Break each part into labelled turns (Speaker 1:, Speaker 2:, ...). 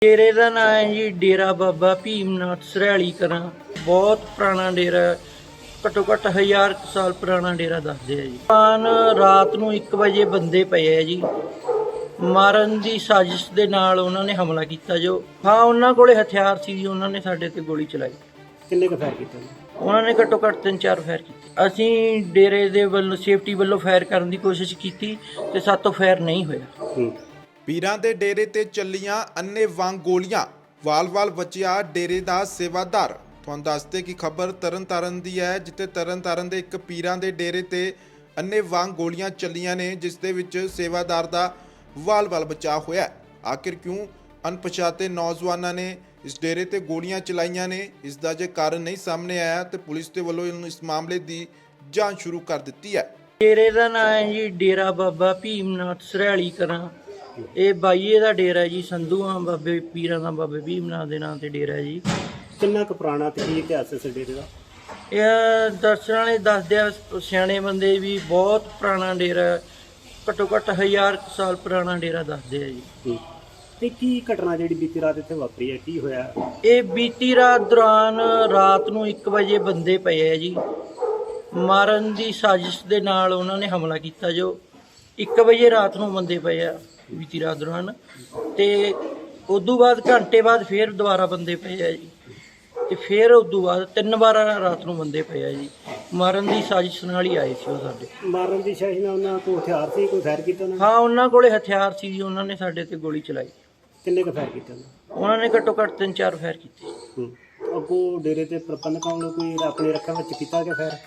Speaker 1: ਡੇਰੇ ਦਾ ਨਾਂ ਹੈ ਜੀ ਡੇਰਾ ਬਾਬਾ ਭੀਮਨਾਥ ਸਰਹਾਲੀ ਕਲਾਂ। ਬਹੁਤ ਪੁਰਾਣਾ ਡੇਰਾ ਹੈ, ਘੱਟੋ ਘੱਟ 1000 ਸਾਲ ਪੁਰਾਣਾ ਡੇਰਾ ਦੱਸਦੇ ਆ ਜੀ। ਰਾਤ ਨੂੰ 1 ਵਜੇ ਬੰਦੇ ਪਏ ਆ ਜੀ, ਮਾਰਨ ਦੀ ਸਾਜ਼ਿਸ਼ ਦੇ ਨਾਲ ਉਹਨਾਂ ਨੇ ਹਮਲਾ ਕੀਤਾ। ਉਹਨਾਂ ਕੋਲੇ ਹਥਿਆਰ ਸੀ ਜੀ, ਉਹਨਾਂ ਨੇ ਸਾਡੇ ਤੇ ਗੋਲੀ ਚਲਾਈ।
Speaker 2: ਕਿੰਨੇ ਕੁ ਫਾਇਰ ਕੀਤੇ?
Speaker 1: ਉਹਨਾਂ ਨੇ ਘੱਟੋ ਘੱਟ 3-4 ਫਾਇਰ ਕੀਤੇ। ਅਸੀਂ ਡੇਰੇ ਦੇ ਵੱਲੋਂ ਸੇਫਟੀ ਵੱਲੋਂ ਫਾਇਰ ਕਰਨ ਦੀ ਕੋਸ਼ਿਸ਼ ਕੀਤੀ ਤੇ ਸਾਤੋਂ ਫਾਇਰ ਨਹੀਂ ਹੋਇਆ।
Speaker 3: ਪੀਰਾਂ ਦੇ ਡੇਰੇ ਤੇ ਚੱਲੀਆਂ ਅੰਨ੍ਹੇਵਾਹ ਗੋਲੀਆਂ, ਵਾਲ-ਵਾਲ ਬਚਿਆ ਡੇਰੇ ਦਾ ਸੇਵਾਦਾਰ। ਤੁਹਾਨੂੰ ਦੱਸਦੇ ਕਿ ਖਬਰ ਤਰਨਤਾਰਨ ਦੀ ਹੈ, ਜਿੱਥੇ ਤਰਨਤਾਰਨ ਦੇ ਇੱਕ ਪੀਰਾਂ ਦੇ ਡੇਰੇ ਤੇ ਅੰਨ੍ਹੇਵਾਹ ਗੋਲੀਆਂ ਚੱਲੀਆਂ ਨੇ, ਜਿਸ ਦੇ ਵਿੱਚ ਸੇਵਾਦਾਰ ਦਾ ਵਾਲ-ਵਾਲ ਬਚਾ ਹੋਇਆ। ਆਖਿਰ ਕਿਉਂ ਅਣਪਛਾਤੇ ਨੌਜਵਾਨਾਂ ਨੇ ਇਸ ਡੇਰੇ ਤੇ ਗੋਲੀਆਂ ਚਲਾਈਆਂ ਨੇ, ਇਸ ਦਾ ਜੇ ਕਾਰਨ ਨਹੀਂ ਸਾਹਮਣੇ ਆਇਆ ਤੇ ਪੁਲਿਸ ਦੇ ਵੱਲੋਂ ਇਸ ਮਾਮਲੇ ਦੀ ਜਾਂਚ ਸ਼ੁਰੂ ਕਰ ਦਿੱਤੀ ਹੈ।
Speaker 1: ਡੇਰੇ ਦਾ ਨਾਂ ਹੈ ਜੀ ਡੇਰਾ ਬਾਬਾ ਭੀਮਨਾਥ ਸਰਹਾਲੀ ਕਲਾਂ। ਇਹ ਬਾਈਏ ਦਾ ਡੇਰਾ ਜੀ, ਸੰਧੂਆਂ ਬਾਬੇ ਪੀਰਾਂ ਦਾ ਬਾਬੇ ਭੀਮਨਾਥ ਦੇ ਨਾਂ ਤੇ ਡੇਰਾ ਹੈ ਜੀ।
Speaker 2: ਕਿੰਨਾ ਕੁ ਪੁਰਾਣਾ ਤੇ ਕੀ ਇਤਿਹਾਸ ਹੈ ਇਸ ਡੇਰੇ ਦਾ?
Speaker 1: ਇਹ ਦਰਸ਼ਨ ਵਾਲੇ ਦੱਸਦੇ ਆ, ਸਿਆਣੇ ਬੰਦੇ ਵੀ, ਬਹੁਤ ਪੁਰਾਣਾ ਡੇਰਾ ਹੈ, ਘੱਟੋ ਘੱਟ 1000 ਸਾਲ ਪੁਰਾਣਾ ਡੇਰਾ ਦੱਸਦੇ ਆ ਜੀ।
Speaker 2: ਤੇ ਕੀ ਘਟਨਾ ਜਿਹੜੀ ਬੀਤੀ ਰਾਤ ਇੱਥੇ ਵਾਪਰੀ ਹੈ, ਕੀ ਹੋਇਆ?
Speaker 1: ਇਹ ਬੀਤੀ ਰਾਤ ਦੌਰਾਨ ਰਾਤ ਨੂੰ 1 ਵਜੇ ਬੰਦੇ ਪਏ ਆ ਜੀ, ਮਾਰਨ ਦੀ ਸਾਜ਼ਿਸ਼ ਦੇ ਨਾਲ ਉਹਨਾਂ ਨੇ ਹਮਲਾ ਕੀਤਾ। 1 ਵਜੇ ਰਾਤ ਨੂੰ ਬੰਦੇ ਪਏ ਆ ਬੀਤੀ ਰਾਤ ਦੌਰਾਨ, ਤੇ ਉਦੋਂ ਬਾਅਦ ਘੰਟੇ ਬਾਅਦ ਫੇਰ ਦੁਬਾਰਾ ਬੰਦੇ ਪਏ ਆ ਜੀ, ਤੇ ਫਿਰ ਉਦੋਂ ਬਾਅਦ 3 ਵਾਰ ਰਾਤ ਨੂੰ ਬੰਦੇ ਪਏ ਆ ਜੀ। ਮਾਰਨ ਦੀ ਸਾਜ਼ਿਸ਼ ਨਾਲ ਹੀ ਆਏ ਸੀ ਉਹ ਸਾਡੇ।
Speaker 2: ਮਾਰਨ ਦੀ ਸਾਜ਼ਿਸ਼ ਨਾਲ ਉਹਨਾਂ ਕੋਲ ਹਥਿਆਰ ਸੀ, ਕੋਈ ਫਾਇਰ ਕੀਤਾ ਉਹਨਾਂ ਨੇ?
Speaker 1: ਹਾਂ, ਉਹਨਾਂ ਕੋਲੇ ਹਥਿਆਰ ਸੀ ਜੀ, ਉਹਨਾਂ ਨੇ ਸਾਡੇ ਤੇ ਗੋਲੀ ਚਲਾਈ।
Speaker 2: ਕਿੰਨੇ ਕੁ ਫਾਇਰ ਕੀਤੇ
Speaker 1: ਉਹਨਾਂ ਨੇ ਘੱਟੋ ਘੱਟ 3-4 ਫਾਇਰ ਕੀਤੇ।
Speaker 2: ਅੱਗੋਂ ਡੇਰੇ ਤੇ ਪ੍ਰਬੰਧਕਾਂ ਵੱਲੋਂ ਕੋਈ ਆਪਣੇ ਰੱਖਿਆ ਵਿੱਚ ਕੀਤਾ ਗਿਆ ਫਾਇਰ?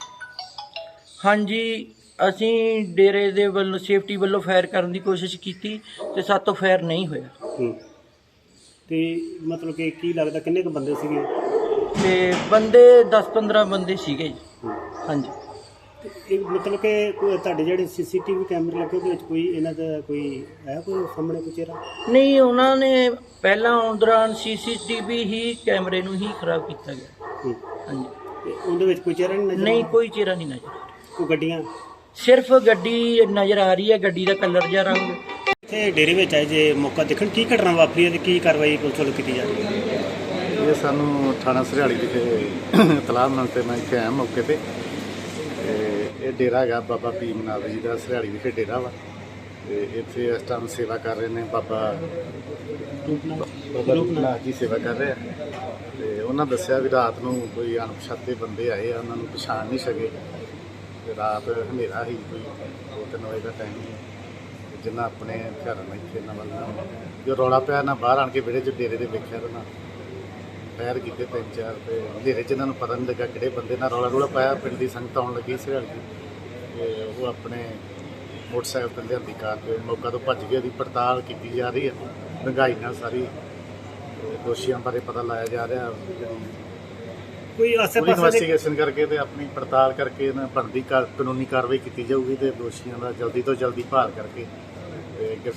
Speaker 1: ਹਾਂਜੀ, ਅਸੀਂ ਡੇਰੇ ਦੇ ਵੱਲੋਂ ਸੇਫਟੀ ਵੱਲੋਂ ਫਾਇਰ ਕਰਨ ਦੀ ਕੋਸ਼ਿਸ਼ ਕੀਤੀ ਤੇ ਸਾਤੋਂ ਫਾਇਰ ਨਹੀਂ ਹੋਇਆ।
Speaker 2: ਤੇ ਮਤਲਬ ਕਿ ਕੀ ਲੱਗਦਾ ਕਿੰਨੇ ਕੁ ਬੰਦੇ ਸੀਗੇ?
Speaker 1: ਤੇ ਬੰਦੇ 10-15 ਬੰਦੇ ਸੀਗੇ ਜੀ। ਹਾਂਜੀ।
Speaker 2: ਤੇ ਇਹ ਮਤਲਬ ਕਿ ਕੋਈ ਤੁਹਾਡੇ ਜਿਹੜੇ ਸੀਸੀਟੀਵੀ ਕੈਮਰੇ ਲੱਗੇ ਉਹਦੇ ਵਿੱਚ ਕੋਈ ਇਹਨਾਂ ਦਾ ਕੋਈ ਹੈ ਕੋਈ ਸਾਹਮਣੇ ਕੋਈ ਚਿਹਰਾ?
Speaker 1: ਨਹੀਂ, ਉਹਨਾਂ ਨੇ ਪਹਿਲਾਂ ਆਉਣ ਦੌਰਾਨ ਸੀਸੀਟੀਵੀ ਹੀ ਕੈਮਰੇ ਨੂੰ ਹੀ ਖਰਾਬ ਕੀਤਾ ਗਿਆ। ਹਾਂਜੀ।
Speaker 2: ਤੇ ਉਹਦੇ ਵਿੱਚ ਕੋਈ ਚਿਹਰਾ ਨਹੀਂ ਨਜ਼ਰ?
Speaker 1: ਨਹੀਂ, ਕੋਈ ਚਿਹਰਾ ਨਹੀਂ ਨਜ਼ਰ।
Speaker 2: ਕੋਈ ਗੱਡੀਆਂ?
Speaker 1: ਸਿਰਫ ਗੱਡੀ ਨਜ਼ਰ ਆ ਰਹੀ ਹੈ, ਗੱਡੀ ਦਾ ਕਲਰ ਜਾਂ ਰੰਗ।
Speaker 2: ਇੱਥੇ ਡੇਰੇ ਵਿੱਚ ਆਏ ਜੇ ਮੌਕਾ ਦੇਖਣ, ਕੀ ਘਟਨਾ ਵਾਪਰੀ ਹੈ ਤੇ ਕੀ ਕਾਰਵਾਈ ਪੁਲਿਸ ਵੱਲੋਂ ਕੀਤੀ ਜਾ ਰਹੀ ਹੈ?
Speaker 4: ਇਹ ਸਾਨੂੰ ਥਾਣਾ ਸਰਹਾਲੀ ਵਿਖੇ ਇਤਲਾਹ ਮਿਲਣ ਤੇ ਮੈਂ ਇੱਥੇ ਆਇਆ ਮੌਕੇ ਤੇ। ਇਹ ਡੇਰਾ ਹੈਗਾ ਬਾਬਾ ਭੀਮਨਾਥ ਜੀ ਦਾ, ਸਰਹਾਲੀ ਵਿਖੇ ਡੇਰਾ ਵਾ। ਤੇ ਇੱਥੇ ਇਸ ਟਾਈਮ ਸੇਵਾ ਕਰ ਰਹੇ ਨੇ ਬਾਬਾ ਰੂਪਨਾਥ ਜੀ, ਸੇਵਾ ਕਰ ਰਹੇ ਆ। ਤੇ ਉਹਨਾਂ ਦੱਸਿਆ ਵੀ ਰਾਤ ਨੂੰ ਕੋਈ ਅਣਪਛਾਤੇ ਬੰਦੇ ਆਏ ਆ, ਉਹਨਾਂ ਨੂੰ ਪਛਾਣ ਨਹੀਂ ਸਕੇ। ਤੇ ਰਾਤ ਹਨੇਰਾ ਸੀ, ਕੋਈ 2-3 ਵਜੇ ਦਾ ਟਾਈਮ ਸੀ। ਜਿੰਨਾ ਆਪਣੇ ਘਰਾਂ ਨਾਲ ਇੱਥੇ ਇਹਨਾਂ ਵੱਲ ਜੋ ਰੌਲਾ ਪਿਆ ਨਾ, ਬਾਹਰ ਆਣ ਕੇ ਵਿਹੜੇ 'ਚ ਡੇਰੇ ਦੇ ਵੇਖਿਆ ਤਾਂ ਨਾ ਫਾਇਰ ਕੀਤੇ 3-4। ਤੇ ਹਨੇਰੇ 'ਚ ਇਹਨਾਂ ਨੂੰ ਪਤਾ ਨਹੀਂ ਲੱਗਾ ਕਿਹੜੇ ਬੰਦੇ ਨਾਲ ਰੌਲਾ ਪਾਇਆ। ਪਿੰਡ ਦੀ ਸੰਗਤ ਆਉਣ ਲੱਗੀ ਸਰਹਾਲੀ ਦੀ, ਤੇ ਉਹ ਆਪਣੇ ਮੋਟਰਸਾਈਕਲ ਤੇ ਲਿਆਂਦੀ ਕਾਰ ਤੇ ਮੌਕਾ ਤੋਂ ਭੱਜ ਗਏ। ਉਹਦੀ ਪੜਤਾਲ ਕੀਤੀ ਜਾ ਰਹੀ ਹੈ ਡੂੰਘਾਈ ਨਾਲ ਸਾਰੀ। ਦੋਸ਼ੀਆਂ ਬਾਰੇ ਪਤਾ ਲਾਇਆ ਜਾ ਰਿਹਾ।
Speaker 2: ਕੋਈ ਆਸੇ-ਪਾਸੇ
Speaker 4: ਇਨਵੈਸਟੀਗੇਸ਼ਨ ਕਰਕੇ ਤੇ ਆਪਣੀ ਪੜਤਾਲ ਕਰਕੇ ਇਹਨਾਂ ਬਣਦੀ ਕਾਨੂੰਨੀ ਕਾਰਵਾਈ ਕੀਤੀ ਜਾਊਗੀ ਤੇ ਦੋਸ਼ੀਆਂ ਦਾ ਜਲਦੀ ਤੋਂ ਜਲਦੀ ਭਾਲ ਕਰਕੇ ਤੇ